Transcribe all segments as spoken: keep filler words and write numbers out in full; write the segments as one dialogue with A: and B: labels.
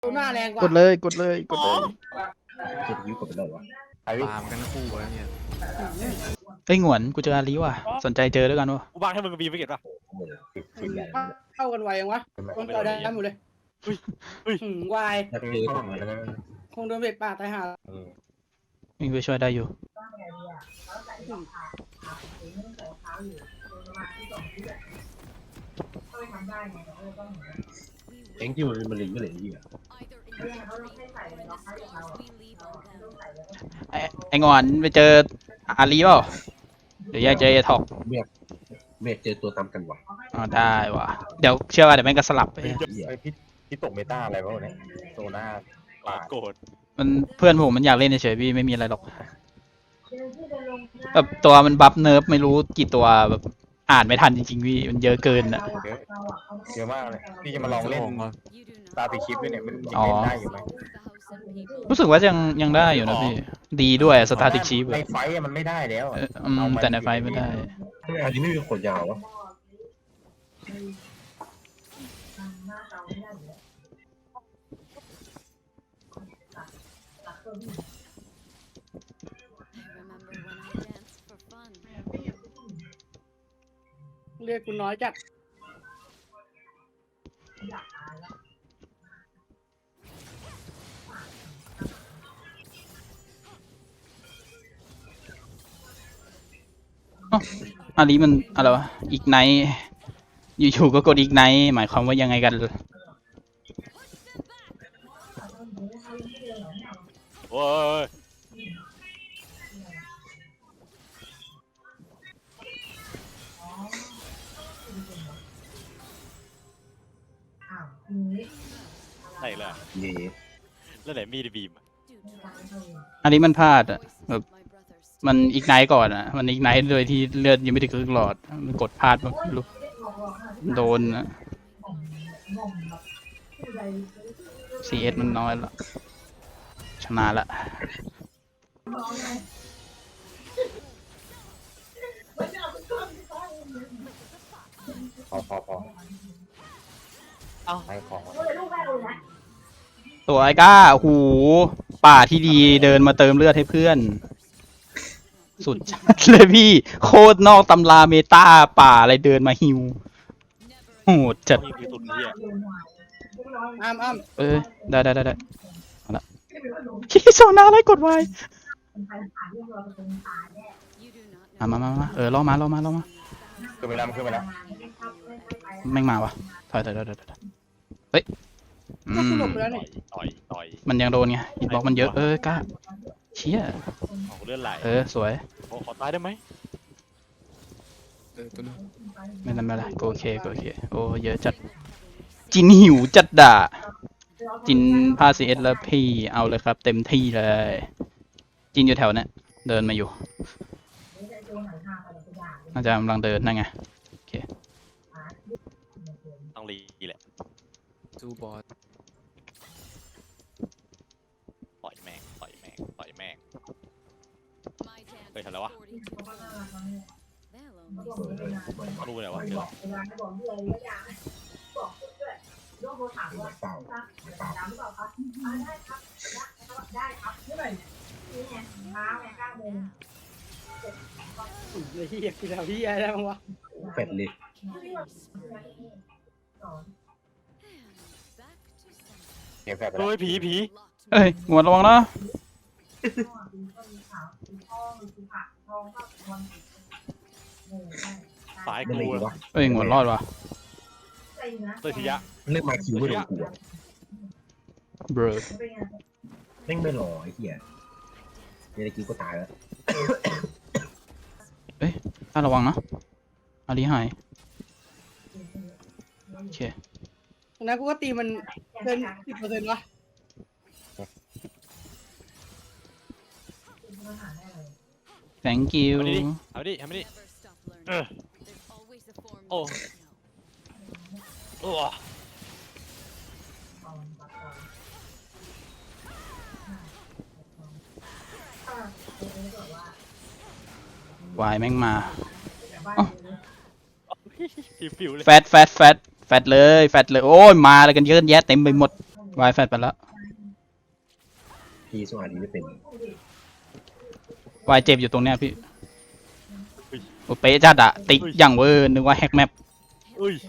A: หน้าแรงกว่าก
B: ดเลยกดเลยกดเลย
C: เจ็ดยิ้วกดไปแล้ววะไอ้
D: ตามกันทั้งคู่แล้วเนี่ย
B: เอ้ยหงวนกูเจออาลีว่ะสนใจเจอด้วยกันวะ
E: กูบ้างให้มึงบีไปเก็บป่ะ
C: โอ้โหติดติดใหญ่
A: เข้ากันไวยังวะคนต่อได้หมดเลยหืมวาย
C: ถ้าเจอทำไม
A: คงโดนเบ็ดป่าตายห่า
B: วิ่งไปช่วยได้อยู่
C: เอ็งที่มันมันลิงก็เลยที่อ่ะ
B: ไอ้ไอ้หงอนไปเจออาลีเปล่าเดี๋ยวแยกเจอไอ้ทอก
C: เมฆเมฆเจอตัวตามกันวะ
B: อ๋อได้ว่ะเดี๋ยวเชื่อว่าเดี๋ยวแม่งก็สลับไป
C: เหี้ย
F: ไอพี่พี่ตกเมตาอะไรวะวันนี้โซน่า
E: ปาดโกรธ
B: มันเพื่อนผมมันอยากเล่นเฉยๆพี่ไม่มีอะไรหรอกแบบตัวมันบัฟเนิร์ฟไม่รู้กี่ตัวแบบอ่านไม่ทันจริงๆพี่มันเยอะเกินอ่ะ
F: เยอะเยอะมากเลยพี่จะมาลองเล่น
D: ของก็
F: ตาติคลิปด้วยเนี่ยมันยังเล่นได้อยู่ไหม
B: รู้สึกว่ายังยังได้อยู่นะพี่ดีด้วยสตาร์ติกชีฟ
F: ในไฟต์อะมันไม่ได้แล้วอะ
B: แต่ในไฟไม่ได้
C: อันนี้ไม่มีขนยาววะ
A: เรียกกูน้อยจัด
B: อาลีมันอะไรวะอีกไนท์อยู่ๆก็กดอีกไนท์หมายความว่ายังไงกัน
E: โอ้ย ไหนล่ะ
C: เย่
E: แล้วไหนมีดบีม
B: อันนี้มันพลาดอ่ะแบบมันอีกไนท์ก่อนอ่ะมันอีกไนท์โดยที่เลือดยังไม่ถึงครึ่งหลอดมันกดพลาดแบบลุกโดนอ่ะ ซี เอส มันน้อยละชนะละ
F: พอพอพอ
E: เอ้า
F: ไปของ
B: ตัวไอ้ก้าโอ้โหป่าที่ดีเดินมาเติมเลือดให้เพื่อน สุดจัดเลยพี่ โคตรนอกตำราเมตาป่าอะไรเดินมาฮิวโหดจัด
E: นี่คือสุดเนี่ย
A: อ้ามอ้าม
B: เอ้ยได้ได้ได้ได้เอาละคิโซนาอะไรกดไว้มามามามาเออล่อมาล่อมาล่อมา
F: ขึ้นไปแล้วมันขึ้นไปแล้ว
B: แม่งมาวะถอยถอยถอยถอยถอยเฮ้ยอื
A: ก็ส
B: ม
A: ลบไปแล้วนี่
E: ต่อยต่อย
B: มันยังโดนไงฮิตบ็อกมันเยอะเออกล้าเชี่ย
E: ของเลือดไหล
B: เออสวย
E: ขอขอตายได้ไหม
D: เออตัวนึง
B: ไม่นั่นไม่ละโอเคโอเคโอ้เยอะจัดจินหิวจัดด่าจินพาซีเอสแล้วพี่เอาเลยครับ เต็มที่เลย จินอยู่แถวเนี้ยเดินมาอยู่น่าจะกำลังเดินนั่นไง
E: ต้องรีแหละ
D: ซูบอส
E: ต่อยแม่งต่อยแม่งต่อยแม่งเฮ้ยทำอะไรวะเขารู้เลยวะเจอ
C: เปล่าเปล่า
A: เฮียกูจะเอาเฮียได้มั้งวะ
C: เผ็ดเลย
F: เก็บแฟบไปแล้ว
E: เฮ้ยผีผี
B: เอ้ยหมวดระวังนะ
E: สาย
C: ไม่
E: กู
C: เลย
E: อะ
C: วะ
B: เอ้ยหมวดรอดว่ะ
E: เตยทียะ
C: เลือกมาคิวไม่โดนกูอ่ะ
B: เบรอ
C: แม่งไม่หล่อไอ้เหี้ยเดี๋ยวกิวก็ตายแล้ว
B: ถ้าระวังนะอาลีหายโอเค
A: นะกูก็ตีมันเกินสิบเปอร์เซ็นต์วะ
B: thank you
E: เอาดิเอาดิเออโอ้โอ้
B: วายแม่งมา
E: ฟิวฟิวเลย
B: แฟตแฟตแฟตแฟตเลยแฟตเลยโอ้ยมาอะไรกันเยอะแยะเต็มไปหมดวายแฟดไปแล้ว
C: ทีสวัสดีไม่เป็น
B: วายเจ็บอยู่ตรงเนี้ยพี่โอ้เป๊ะจัดอะติ๊กอย่างเวอร์นึกว่าแฮกแมป
E: อุ้ย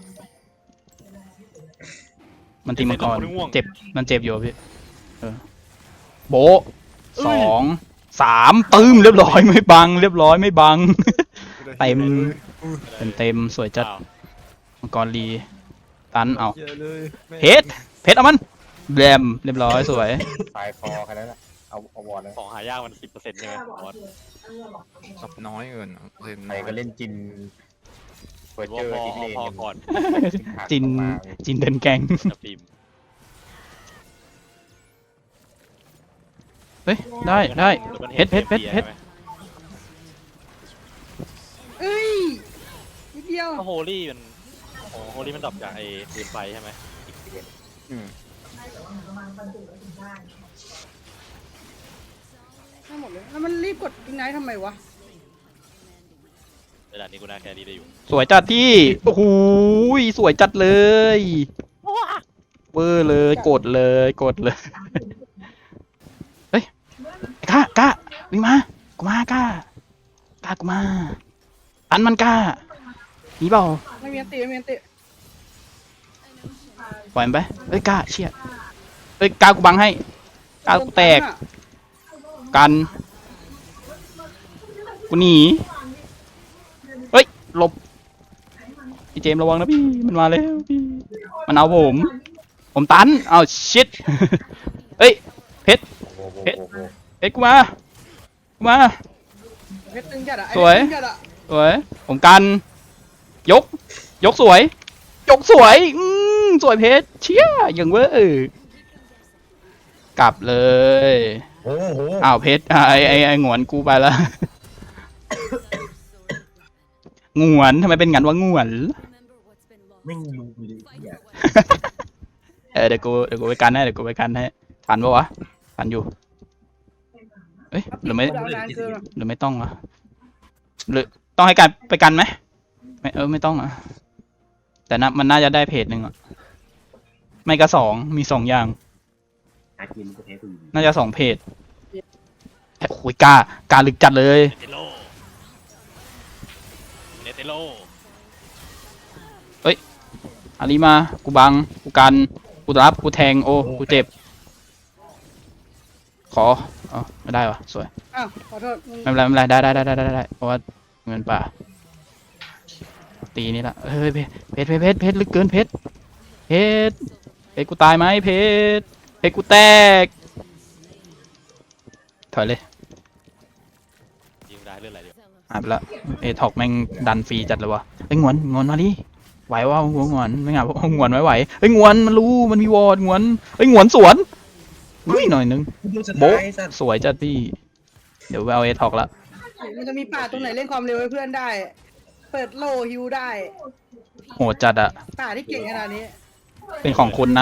B: มันตีมังกร
E: ไอ้เหี้ยง่วง
B: เจ็บมันเจ็บอยู่อะพี่เออโบะสองสามตึ้มเรียบร้อยไม่บัง เรียบร้อยไม่บัง เต็มเต็มเต็มสวยจัด
E: อ้าว
B: มังกรลีตันเอา
D: เยอะเลยแม่ง
B: เพชรเพชรเอามันแบมเรียบร้อยสวย
F: ตายคอแค่นั้นแหละเอาเอาวอร์ดเลย
E: ของหายากมันสิบเปอร์เซ็นต์ใช่ไหมบอส
D: ซับน้อยเกินอะเล่น
F: ใคร
D: น้อย
F: ก็เล่นจินเฟิร์
E: หรือ
F: เจ
E: ว่า
F: อร์
E: พอ
F: ดิสเลน
E: พอก่อน
B: จินจินเดินแกง
E: จะพิมพ์
B: เฮ้ยได้ได้ เพชรเพชรเพชรเพชร
A: เอ้ยนิดเดียว
E: ถ้าโฮลี่มันโอ้โฮลี่มันดรอปจากไอ้ปืนไฟใช่ไหม
F: อืม
A: ทั้งหมดเลยแล้วมันรีบกดอิงไนท์ทำไมวะ
E: เวลานี้กูน่าแครี่ได้อยู่
B: สวยจัดที่โอ้โหสวยจัดเลยเวอร์เลยกดเลยกดเลยเฮ้ยไอ้ก้ากล้าวิ่งมากูมากล้ากล้ากูมาตันมันกล้าหนีเปล่า
A: ไม่มีอันติไม่มีอันติ
B: ปล่อยมันไปเฮ้ยกล้าเชี่ยเฮ้ยกล้ากูบังให้กล้ากูแตกกันกูหนีเฮ้ยหลบพี่เจมส์ระวังนะพี่มันมาแล้วพี่มันเอาผมผมตันเอาชิต เฮ้ยเพชร
F: โอ้โห
B: เพชร
F: โอ้โห
B: เพชรกูมากูมา
A: เพชรตึงจัดอะไอ้
B: สวย
A: ตึงจัดอะ
B: สวยผมกัน ยก ยกสวย ยกสวยอืมสวยเพชรเชี่ยอย่างเว้ยกลับเลย
F: โอ้โห
B: อ้าวเพชรอ่ะไอไอไอหงวนกูไปละ หงวนทำไมเป็นงั้นวะหงวน
C: ไม่งรู้เลยไอ้เหี้ย
B: เออเดี๋ยวกูเดี๋ยวกูไปกันให้เดี๋ยวกูไปกันให้ทันปะวะทันอยู่เอ้ยหรือไม่
A: ดาวนานเกินอะ
B: หรือไม่ต้องอ่ะหรือต้องให้การไปกันไหมไม่เออไม่ต้องอ่ะแต่นะมันน่าจะได้เพจหนึ่งอ่ะไม่ก็สองมีสองอย่าง
C: อากินก็แพ้กูอยู่ดี
B: น่าจะสองเพจโอ้ยกล้ากล้าลึกจัดเลย
E: เนเตโลเนเตโล
B: อารีมากูบังกูกันกูรับกูแทงโอ้กูเจ็บขออ๋อไม่ได้วะสวย
A: อ้าวขอโทษมึง
B: ไม่เป็นไรไม่เป็นไรได้ได้ได้ได้ได้ได้เพราะว่าเงินป่าตีนี่ละเฮ้ยเพชรเพชรเพชรเพชรลึกเกินเพชรเพชรเพชรกูตายไหมเพชรเพชรกูแตกถอยเลย
E: ยิงได้เรื่องอะไรเดียว
B: หายไปละเอทอกแม่งดันฟรีจัดเลยวะไอ้ยงวนงวนมาดิไหวว่าหัวงวนไม่งานงวนไหวไหวเฮ้ยงวนมันรู้มันมีวอร์ดงวนเฮ้ยงวนสวนอุ้ยหน่อยนึง
C: กูโดนส
B: โบ๊ะ
C: ไตล์สัตว์
B: สวยจัดพี่เดี๋ยวไปเอาเอทอกละ
A: มันจะมีป่าตรงไหนเล่นความเร็วให้เพื่อนได้ เปิดโลฮิวได้
B: โหดจัดอะ
A: ป่าที่เก่งขนาดนี้
B: เป็นของคุณนะ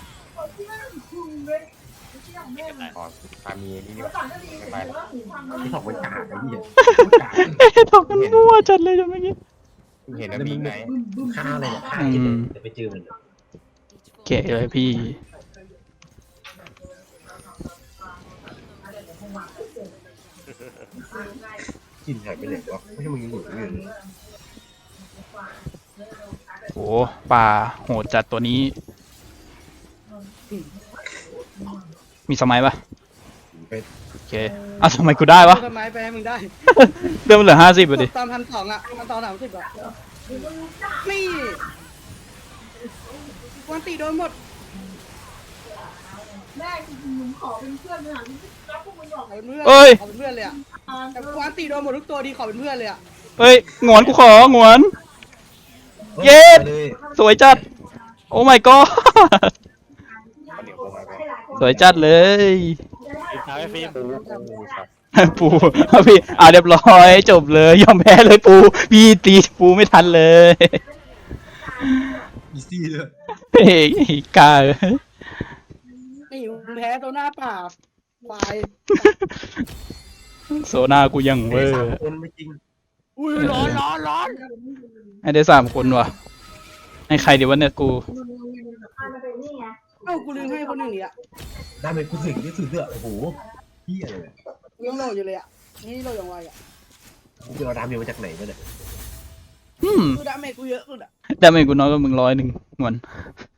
E: ไม่เป็นไร
F: อ๋อพามีนี่นี่หว่าไม่ไปละ
C: ที่ถอกไว้กากไอ้เหี้ย
B: เอทอกมันมั่วจัดเลยจังเมื่อกี้
F: เพิ่งเห็นว่ามีไหน
C: ฆ่าเลยเนี่ยฆ่ากินเลยเดี๋ยวไปเจอมันเลย
B: โอเคเลยพี่
C: กินหายไปไหนวะไม่ใช่มึงยังอยู่อยู่เลย
B: โอ้ป่าโหดจัดตัวนี้ มีสมัยปะ
C: ไป
B: โอเคอ่ะสมัยกูได้ปะ
A: ต้นไม้ไปให้มึงได้
B: เริ่มเหลือห้าสิบไปดิ
A: ตอนพันสองอะมันตอนสามสิบอะนี่วันตีโดนหมด
G: แม่จริงๆหนูขอเป็นเพื่อนเลยค่ะแล้วพวกมึงบอก
A: ขอเป็นเพื่อน
B: เอ้ย
A: ขอเป็นเพื่อนเลยอะแต่วันตีโดนหมดทุกตัวดีขอเป็นเพื่อนเลยอะ
B: เฮ้ยหงอนกูของอน เย็ด
C: ไปเลย
B: สวยจัด โอ้ my god
F: มันเดี๋ยวโผล่มาไป
B: สวยจัดเลย
E: ฟิล์มท้าให้ฟิล์ม
F: ปูปูสัตว์
B: ปูเอาพี่อ่าเรียบร้อยจบเลยยอมแพ้เลยปูพี่ตีปูไม่ทันเลย
C: อีซี่เลย
B: เฮ้ยกล้า
A: นี่มึงแพ้ตัวหน้าป่าควาย
B: โซนากูยังเวอ
C: สาม
B: ร์
C: คนไม่จริง
A: อุ้ยร้อนร้อนร้อน
B: ให้ได้สามคนว่ะให้ใครดีวะเนี่ยกู
G: มันเป็นนี่ไง
A: เอ้ากูลืมให้คนหนึ่งอีกอ่ะ
C: ได้เป็นกูสึกที่สุดเลยโอ้โหเฮียเลย
A: กูยังโหลดอยู่เลยอ่ะนี่โหลดอย่างไวอ่ะ
C: กูจะเอาดามเมจมาจากไหนวะเนี่ย
B: อืม
A: คือดาเมจกูเยอะสุดอ่ะ
B: ดาเมจกูน้อยกว่ามึงร้อยหนึ่งหวน